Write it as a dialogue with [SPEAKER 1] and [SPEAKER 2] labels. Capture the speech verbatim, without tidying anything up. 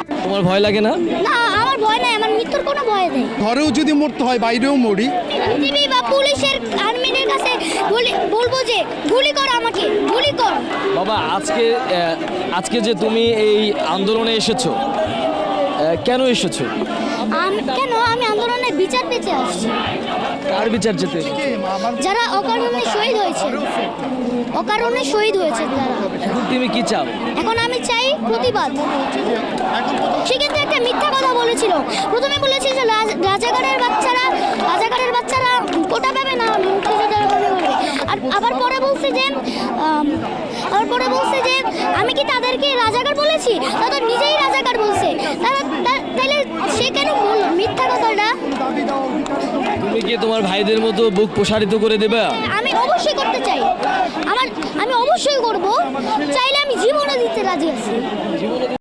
[SPEAKER 1] তোমার ভয় লাগে না?
[SPEAKER 2] না, আমার ভয় নাই, আমার মৃত্যুর কোনো ভয় নেই।
[SPEAKER 3] ঘরেও যদি মরতে হয় বাইরেও মরি।
[SPEAKER 2] টিভি বা পুলিশের আর্মিদের কাছে বলি- বলবো যে গুলি কর, আমাকে গুলি কর।
[SPEAKER 1] বাবা আজকে আহ, আজকে যে তুমি এই আন্দোলনে এসেছো, আহ, কেন এসেছো?
[SPEAKER 2] আমি কেন আমি আন্দোলনের বিচার পেতে আসছি।
[SPEAKER 1] কার বিচার যেতে?
[SPEAKER 2] যারা অকারণে শহীদ হয়েছে, অকারণে শহীদ হয়েছে তারা।
[SPEAKER 1] এখন তুমি কি চাও?
[SPEAKER 2] এখন আমি চাই প্রতিবাদ। সে কিন্তু একটা মিথ্যা কথা বলেছিল। প্রথমে বলেছিল যে রাজ- রাজাকারের বাচ্চারা রাজাকারের বাচ্চারা কোটা পাবে না, মুক্তিযোদ্ধারা পাবে বলে। আর আবার পরে বলছে যে আম, আবার পরে বলছে যে আমি কি তাদেরকে রাজাকার বলেছি? তারা তো নিজেই রাজাকার বলছে। তারা তা- তাহলে সে কেন বলল মিথ্যা কথাটা?
[SPEAKER 1] তুমি কি তোমার ভাইদের মতো বুক প্রসারিত করে দেবে?
[SPEAKER 2] আমি অবশ্যই করতে চাই। আমার আমি অবশ্যই করব, চাইলে আমি জীবনও দিতে রাজি আছি।